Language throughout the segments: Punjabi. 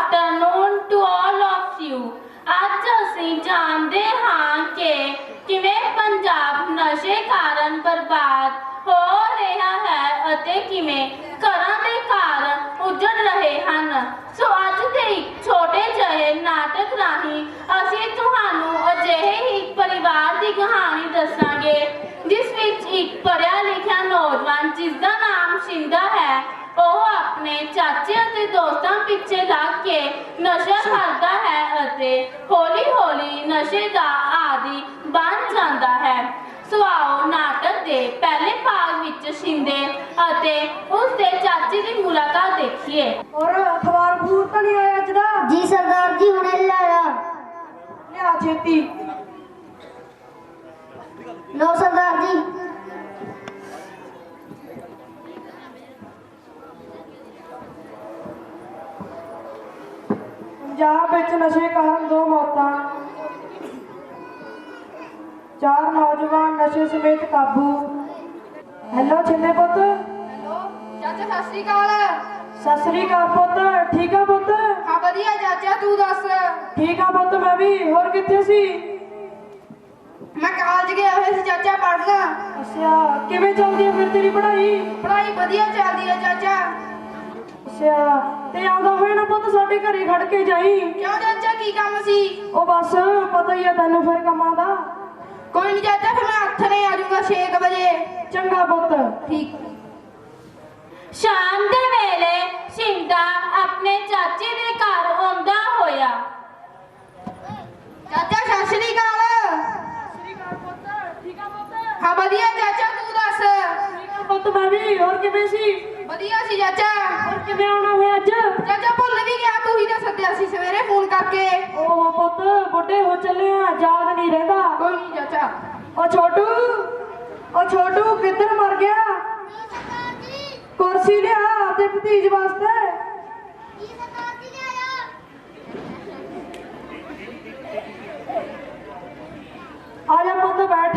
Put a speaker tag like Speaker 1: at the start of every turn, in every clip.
Speaker 1: afternoon to all of you. ਅੱਜ ਅਸੀਂ ਜਾਣਦੇ ਹਾਂ ਕਿ ਕਿਵੇਂ ਪੰਜਾਬ ਨਸ਼ੇ ਕਾਰਨ ਬਰਬਾਦ ਹੋ ਰਿਹਾ ਹੈ ਅਤੇ ਕਿਵੇਂ ਘਰਾਂ ਦੇ ਕਾਰਨ ਉੱਜੜ ਰਹੇ ਹਨ। ਸੋ ਅੱਜ ਦੇ ਇੱਕ ਛੋਟੇ ਜਿਹੇ ਨਾਟਕ ਰਾਹੀਂ ਅਸੀਂ ਤੁਹਾਨੂੰ ਅਜਿਹੇ ਹੀ ਪਰਿਵਾਰ ਦੀ ਕਹਾਣੀ ਦੱਸਾਂਗੇ ਜਿਸ ਵਿੱਚ ਇੱਕ ਪੜ੍ਹਿਆ ਲਿਖਿਆ ਨੌਜਵਾਨ ਜਿਸ ਦਾ ਨਾਮ ਸ਼ਿੰਦਾ ਹੈ ਉਹ ਆਪਣੇ ਚਾਚੇ ਅਤੇ ਦੋਸਤਾਂ ਪਿੱਛੇ ਲੱਗ ਕੇ ਨਸ਼ਾ ਕਰਦਾ ਹੈ ਅਤੇ ਹੌਲੀ ਹੌਲੀ ਨਸ਼ੇ ਦਾ ਆਦੀ ਬਣ ਜਾਂਦਾ ਹੈ। ਸੋ ਆਓ ਨਾਟਕ ਦੇ ਪਹਿਲੇ ਭਾਗ ਵਿੱਚ ਸ਼ਿੰਦੇ ਅਤੇ ਉਸ ਦੇ ਚਾਚੇ ਦੀ ਮੁਲਾਕਾਤ ਦੇਖੀਏ।
Speaker 2: और अखबार बूर तो नहीं आया अज दा?
Speaker 3: जी सरदार जी हुणे लाया।
Speaker 2: लिया छेती।
Speaker 3: लो सरदार जी।
Speaker 2: पंजाब विच नशे कारण 2 मौतां, 4 नौजवान नशे समेत काबू। हेलो छिंदे पुत।
Speaker 4: ਚਾਚਾ ਸਤਿ ਸ਼੍ਰੀ ਅਕਾਲ।
Speaker 2: सत श्री अकाल पुत। ठीक है पुत?
Speaker 4: ਹਾਂ ਵਧੀਆ ਚਾਚਾ ਤੂੰ ਦੱਸ।
Speaker 2: ठीक है पुत मैं भी। होर कित्थे सी?
Speaker 4: ਮੈਂ ਕਾਲਜ ਗਿਆ ਹੋਇਆ ਸੀ ਚਾਚਾ ਪੜ੍ਹਨਾ।
Speaker 2: अच्छा किवें चलदी है फिर तेरी पढ़ाई?
Speaker 4: ਪੜ੍ਹਾਈ ਵਧੀਆ ਚੱਲਦੀ ਹੈ ਚਾਚਾ।
Speaker 2: अच्छा ते आंदा होए ना पुत साडे घरे खड़ के जाई।
Speaker 4: ਕਿਉਂ ਚਾਚਾ ਕੀ ਕੰਮ ਸੀ?
Speaker 2: ओ बस पता ही है तैनूं फिर कमां दा।
Speaker 4: ਕੋਈ ਨਹੀਂ ਚਾਚਾ ਫਿਰ ਮੈਂ ਹੱਥ ਨੇ ਆ ਜਾਊਂਗਾ 6 ਵਜੇ।
Speaker 2: चंगा पुत।
Speaker 4: ਠੀਕ।
Speaker 1: ਸ਼ਾਮ ਦੇ ਵੇਲੇ ਸ਼ਿੰਦਾ ਆਪਣੇ ਚਾਚੇ ਦੇ ਘਰ ਆਉਂਦਾ ਹੋਇਆ।
Speaker 4: ਚਾਚਾ ਸਤਿ ਸ਼੍ਰੀ ਅਕਾਲ। ਹਾਂ ਵਧੀਆ ਚਾਚਾ ਤੂੰ ਦੱਸ।
Speaker 2: ठीक है पुत मैं भी। होर किवें सी?
Speaker 4: ਵਧੀਆ ਸੀ ਚਾਚਾ।
Speaker 2: होर किवें आउणा होया अज?
Speaker 4: ਚਾਚਾ ਭੁੱਲ ਵੀ ਗਿਆ ਤੂੰ ਹੀ ਤਾਂ ਸੱਦਿਆ ਸੀ ਸਵੇਰੇ ਫੋਨ ਕਰਕੇ।
Speaker 2: ओह पुत बुढ़े हो चले हैं याद नहीं रहता।
Speaker 4: ਕੋਈ ਨਹੀਂ ਚਾਚਾ।
Speaker 2: ओ छोटू किधर मर गया? कुर्सी लिया अपने भतीज वास्ते। आजा पुत बैठ।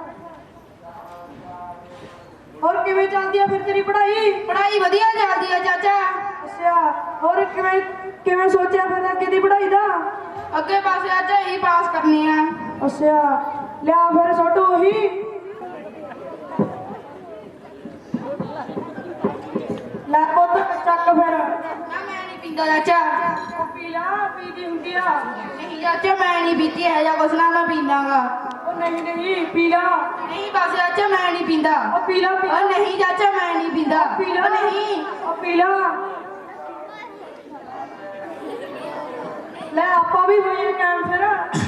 Speaker 2: और किवें चलदी है फिर तेरी पढ़ाई?
Speaker 4: ਪੜ੍ਹਾਈ ਵਧੀਆ ਚੱਲਦੀ ਹੈ ਚਾਚਾ।
Speaker 2: अच्छा और किवें किवें सोचा फिर अगे दी पढ़ाई दा?
Speaker 4: ਅੱਗੇ ਪਾਸੇ ਚਾਚਾ ਹੀ ਪਾਸ ਕਰਨੀ ਆ।
Speaker 2: अच्छा लिया फिर छोटू ही ला पुत चक फिर।
Speaker 4: ਨਾ ਮੈਂ ਨਹੀਂ ਪੀਂਦਾ ਚਾਚਾ।
Speaker 2: पी ला पी दी हुंदी आ।
Speaker 4: ਨਹੀਂ ਚਾਚਾ ਮੈਂ ਨਹੀਂ ਪੀਤੀ ਹੈ ਜਾਂ ਕੁਛ ਨਾ ਮੈਂ ਪੀਂਦਾਗਾ।
Speaker 2: ओ नहीं पी ला।
Speaker 4: ਨਹੀਂ ਬਸ ਚਾਚਾ ਮੈਂ ਨਹੀਂ ਪੀਂਦਾ।
Speaker 2: ओ पी ला पी ला।
Speaker 4: ਉਹ ਨਹੀਂ ਚਾਚਾ ਮੈਂ ਨਹੀਂ ਪੀਂਦਾ।
Speaker 2: पी ला
Speaker 4: ਉਹ ਨਹੀਂ।
Speaker 2: ओ पी ला। ले आपा भी होइए कैम फिर।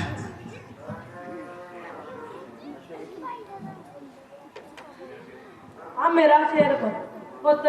Speaker 2: आ मेरा शेर पुत।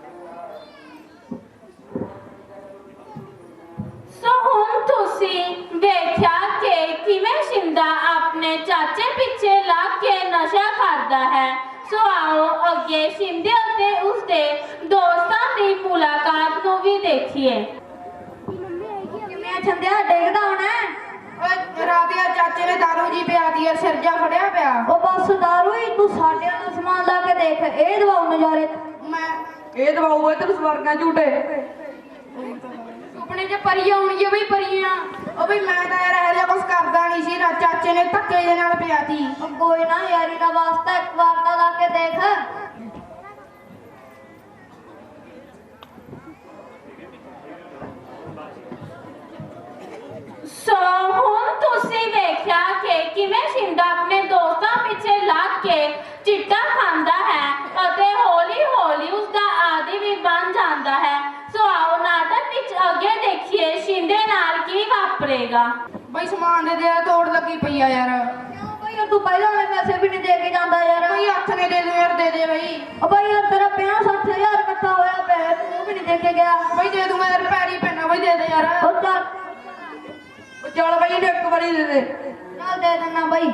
Speaker 1: ਸੋ ਹੁਣ ਤੁਸੀਂ ਵੇਖਿਆ ਕਿ ਕਿਵੇਂ ਸ਼ਿੰਦਾ ਆਪਣੇ ਚਾਚੇ ਪਿੱਛੇ ਲੱਗ ਕੇ ਨਸ਼ਾ ਕਰਦਾ ਹੈ। ਸੋ ਆਓ ਅੱਗੇ ਸ਼ਿੰਦੇ ਅਤੇ ਉਸਦੇ ਦੋਸਤਾਂ ਦੀ ਮੁਲਾਕਾਤ ਨੂੰ ਵੀ ਦੇਖੀਏ।
Speaker 3: किवें छंदिया डेगदा होना है?
Speaker 4: ਓਏ ਰਾਤਿਆ ਚਾਚੇ ਨੇ ਦਾਰੂ ਜੀ ਪਿਆਤੀ ਹੈ ਸਿਰ ਜਾ ਫੜਿਆ ਪਿਆ।
Speaker 3: ओ बस दारू ही तू साडे वाला सामान ला के देख ए दवाओ नजारे।
Speaker 4: ਮੈਂ
Speaker 2: ਇਹ ਦਵਾਊ ਇਧਰ ਸਵਰਗਾਂ ਝੂਟੇ।
Speaker 4: ਸੁਪਨੇ 'ਚ ਪਰੀਆਂ ਆਉਣਗੀਆਂ ਬਈ ਪਰੀਆਂ। ਉਹ ਬਈ ਮੈਂ ਤਾਂ ਯਾਰ ਇਹੋ ਜਿਹਾ ਕੁਛ ਕਰਦਾ ਨਹੀਂ ਸੀ। ਚਾਚੇ ਨੇ ਧੱਕੇ ਦੇ ਨਾਲ ਪਿਆਤੀ।
Speaker 3: ओ कोई ना यारी दा वास्ता एक बार ता ला के देख।
Speaker 1: ਸੋ ਹੁਣ ਤੁਸੀਂ ਵੇਖਿਆ ਕਿ ਕਿਵੇਂ ਸ਼ਿੰਦਾ ਆਪਣੇ ਦੋਸਤਾਂ ਪਿੱਛੇ ਲੱਗ ਕੇ ਚਿੱਟਾ ਖਾਂਦਾ ਹੈ ਅਤੇ ਹੌਲੀ ਹੌਲੀ ਉਸਦਾ ਆਦੀ ਵੀ ਬਣ ਜਾਂਦਾ ਹੈ। ਸੋ ਆਓ ਨਾਟਕ ਵਿੱਚ ਅੱਗੇ ਦੇਖੀਏ ਸ਼ਿੰਦੇ ਨਾਲ ਕੀ ਵਾਪਰੇਗਾ।
Speaker 4: ਬਈ ਸਮਾਨ ਦੇ ਦੇ ਤੋੜ ਲੱਗੀ ਪਈ ਆ ਯਾਰ।
Speaker 3: क्यों भाई यार तू पहले वाले पैसे भी नहीं दे के जांदा यार।
Speaker 4: ਬਈ ਹੱਥ ਨੇ ਦੇ ਦੇ ਯਾਰ ਦੇ ਦੇ ਬਈ।
Speaker 3: ओ भाई यार तेरा 50-60 हजार इकट्ठा होया पे तू भी नहीं दे के गया।
Speaker 4: ਬਈ ਦੇ ਦੂੰਗਾ ਯਾਰ ਪੈਰੀ ਪੈਣਾ ਬਈ ਦੇ ਦੇ ਯਾਰ।
Speaker 3: ओ चल
Speaker 2: ਚੱਲ ਬਈ ਇਹਨੂੰ ਇੱਕ ਵਾਰੀ ਦੇ ਦੇ।
Speaker 3: चल दे देना भाई।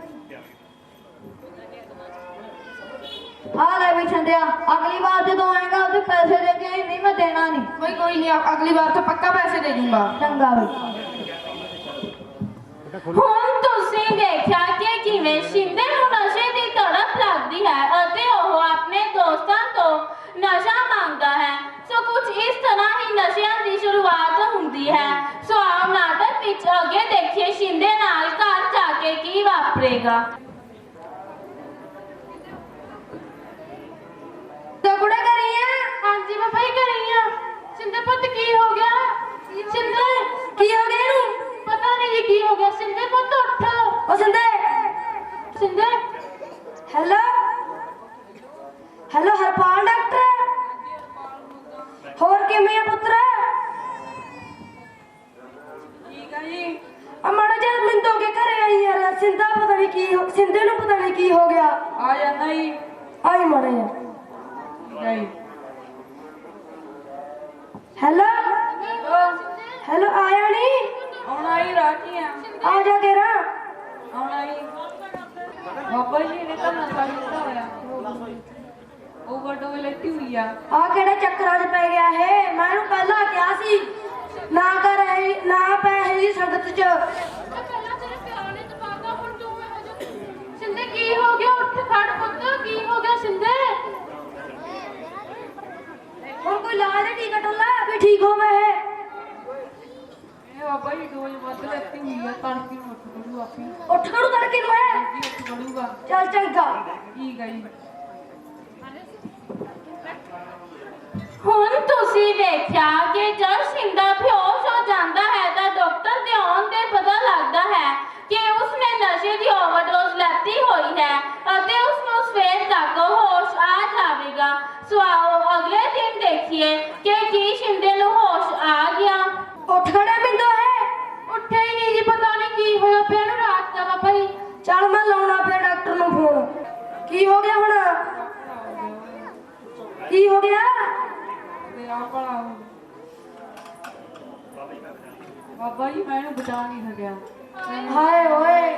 Speaker 3: आ ले भी छंदिया अगली बार जो आएगा उसे पैसे दे के नहीं मैं देना नहीं।
Speaker 4: ਬਈ ਕੋਈ ਨਹੀਂ ਅਗਲੀ ਵਾਰ ਤੋਂ ਪੱਕਾ ਪੈਸੇ ਦੇ ਦੂੰਗਾ।
Speaker 3: चंगा भाई।
Speaker 1: ਹੁਣ ਤੁਸੀਂ ਵੇਖਿਆ ਕਿ ਕਿਵੇਂ ਸ਼ਿੰਦੇ ਨੂੰ ਨਸ਼ੇ ਦੀ ਤੜਪ ਲੱਗਦੀ ਹੈ ਅਤੇ ਉਹ ਆਪਣੇ ਦੋਸਤਾਂ ਤੋਂ ਨਸ਼ਾ ਮੰਗਦਾ ਹੈ। ਸੋ ਕੁਝ ਇਸ ਤਰ੍ਹਾਂ ਹੀ ਨਸ਼ਿਆਂ ਦੀ ਸ਼ੁਰੂਆਤ ਹੁੰਦੀ ਹੈ। ਸੋ ਆਓ ਨਾਟਕ ਵਿੱਚ ਅੱਗੇ ਦੇਖੀਏ ਸ਼ਿੰਦੇ ਨਾਲ ਘਰ ਜਾ ਕੇ ਕੀ ਵਾਪਰੇਗਾ।
Speaker 3: ਤੇ ਕੁੜੇ ਕਰੀਆਂ
Speaker 1: ਹਾਂਜੀ ਮੈਂ ਭਾਈ ਕਰੀ ਆ। ਸ਼ਿੰਦੇ ਪੁੱਤ ਕੀ ਹੋ ਗਿਆ? ਸ਼ਿੰਦੇ
Speaker 3: ਕੀ ਹੋ ਗਿਆ ਇਹਨੂੰ?
Speaker 1: ਪਤਾ ਨਹੀਂ ਜੀ ਕੀ ਹੋ ਗਿਆ। ਸ਼ਿੰਦੇ ਪੁੱਤ ਉੱਠ।
Speaker 3: ਉਹ ਸਿੰਦੇ
Speaker 1: ਸ਼ਿੰਦੇ
Speaker 3: ਹੈਲੋ ਹੈਲੋ ਹਰਪਾਲ ਡਾਕਟਰ ਹੋਰ ਕਿਵੇਂ ਆ ਪੁੱਤਰ?
Speaker 4: ਠੀਕ ਆ ਜੀ।
Speaker 3: ਆ ਮਾੜਾ ਜਿਹਾ ਮਿੰਦੋ ਕੇ ਘਰੇ ਆਈ ਯਾਰ। ਸਿੰਦਾ ਪਤਾ ਨਹੀਂ ਸਿੰਦੇ ਨੂੰ ਪਤਾ ਨਹੀਂ ਕੀ ਹੋ ਗਿਆ।
Speaker 4: ਆ ਜਾਂਦਾ ਜੀ।
Speaker 3: ਆਈ ਮਾੜਾ ਜਿਹਾ।
Speaker 4: ਜੀ
Speaker 3: ਹੈਲੋ ਹੈਲੋ ਆਇਆ ਨਹੀਂ?
Speaker 4: ਆਉਣਾ ਹੀ ਰਾਜੀ ਆ।
Speaker 3: ਆ ਜਾ ਕੇ ਰਾ।
Speaker 4: ਆਉਣਾ ਹੀ ਬਾਬਾ ਜੀ ਨੇ ਤਾਂ ਨਸ਼ਾ ਕੀਤਾ ਹੋਇਆ। ਓਵਰਡੋਜ਼ ਲੈਤੀ ਹੋਈ ਆ।
Speaker 3: ਆ ਕਿਹੜੇ ਚੱਕਰਾਂ 'ਚ ਪੈ ਗਿਆ ਇਹ? ਮੈਂ ਇਹਨੂੰ ਪਹਿਲਾਂ ਕਿਹਾ ਸੀ ਨਾ ਕਰ ਇਹ ਨਾ ਪੈ ਇਹਦੀ ਸੰਗਤ 'ਚ।
Speaker 1: ਪਹਿਲਾਂ ਤੇਰੇ ਪਿਆਰ ਨੇ ਦਬਾਗਾ ਹੁਣ ਤੂੰ ਇਹੋ ਜਿਹਾ। ਸ਼ਿੰਦੇ ਕੀ ਹੋ ਗਿਆ? ਉੱਠ ਖੜ ਪੁੱਤ। ਕੀ ਹੋ ਗਿਆ ਸ਼ਿੰਦੇ?
Speaker 3: ਹੁਣ ਕੋਈ ਲਾਜ ਦਾ ਟੀਕਾ ਟੁੱਲਾ ਵੀ ਠੀਕ ਹੋਵੇ ਇਹ।
Speaker 4: ਇਹ ਬਾਬਾ ਜੀ ਡੋਜ਼ ਵੱਧ ਲੈਤੀ ਹੋਈ ਆ। ਤੜਕੇ ਨੂੰ ਉੱਠ ਖੜੂ ਆਪੀ।
Speaker 3: ਉੱਠ ਖੜੂ ਤੜਕੇ ਨੂੰ ਹੈ।
Speaker 4: ਜੀ ਉੱਠ ਖੜੂਗਾ।
Speaker 3: ਚੱਲ ਚੰਗਾ।
Speaker 4: ਠੀਕ ਆ ਜੀ।
Speaker 1: ਹੁਣ ਤੁਸੀਂ ਵੇਖਿਆ ਕਿ ਜਦ ਸ਼ਿੰਦਾ ਬੇਹੋਸ਼ ਹੋ ਜਾਂਦਾ ਹੈ ਤਾਂ ਡਾਕਟਰ ਦੇ ਆਉਣ ਤੇ ਪਤਾ ਲੱਗਦਾ ਹੈ ਕਿ ਉਸਨੇ ਨਸ਼ੇ ਦੀ ਓਵਰਡੋਜ਼ ਲੈਤੀ ਹੋਈ ਹੈ ਅਤੇ ਉਸਨੂੰ ਸਵੇਰ ਤੱਕ ਹੋਸ਼ ਆ ਜਾਵੇਗਾ। ਸੋ ਆਓ ਅਗਲੇ ਦਿਨ ਦੇਖੀਏ ਕਿ ਕੀ ਸ਼ਿੰਦੇ ਨੂੰ ਹੋਸ਼ ਆ ਗਿਆ।
Speaker 3: ਉੱਠ ਖੜਾ ਬਿੰਦੋ ਹੈ।
Speaker 1: ਉੱਠਿਆ ਹੀ ਨਹੀਂ ਜੀ। ਪਤਾ ਨਹੀਂ ਕੀ ਹੋਇਆ ਪਿਆ ਨੂੰ ਰਾਤ ਦਾ ਬਾਬਾ ਜੀ।
Speaker 3: ਚੱਲ ਮੈਂ ਲਾਉਣਾ ਪਿਆ ਡਾਕਟਰ ਨੂੰ ਫੋਨ। ਕੀ ਹੋ ਗਿਆ ਹੁਣ? ਕੀ ਹੋ ਗਿਆ?
Speaker 4: ਤੇਰਾ ਭਲਾ ਹੋ। ਬਾਬਾ ਜੀ ਮੈਂ ਇਹਨੂੰ ਬਚਾ ਨਹੀਂ ਸਕਿਆ।
Speaker 3: ਹਾਏ ਓਏ।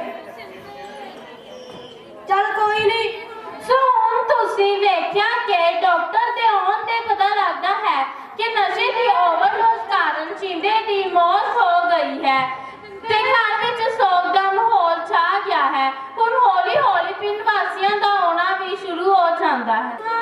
Speaker 3: ਚੱਲ ਕੋਈ ਨਹੀਂ।
Speaker 1: ਸੋ ਹੁਣ ਤੁਸੀਂ ਵੇਖਿਆ ਕਿ ਡਾਕਟਰ ਦੇ ਆਉਣ ਤੇ ਪਤਾ ਲੱਗਦਾ ਹੈ ਕਿ ਨਸ਼ੇ ਦੀ ਓਵਰਡੋਜ਼ ਕਾਰਨ ਸ਼ਿੰਦੇ ਦੀ ਮੌਤ ਹੋ ਗਈ ਹੈ ਤੇ ਘਰ ਵਿੱਚ ਸੋਗ ਦਾ ਮਾਹੌਲ ਛਾ ਗਿਆ ਹੈ। ਹੁਣ ਹੌਲੀ ਹੌਲੀ ਪਿੰਡ ਵਾਸੀਆਂ ਦਾ ਆਉਣਾ ਵੀ ਸ਼ੁਰੂ ਹੋ ਜਾਂਦਾ ਹੈ।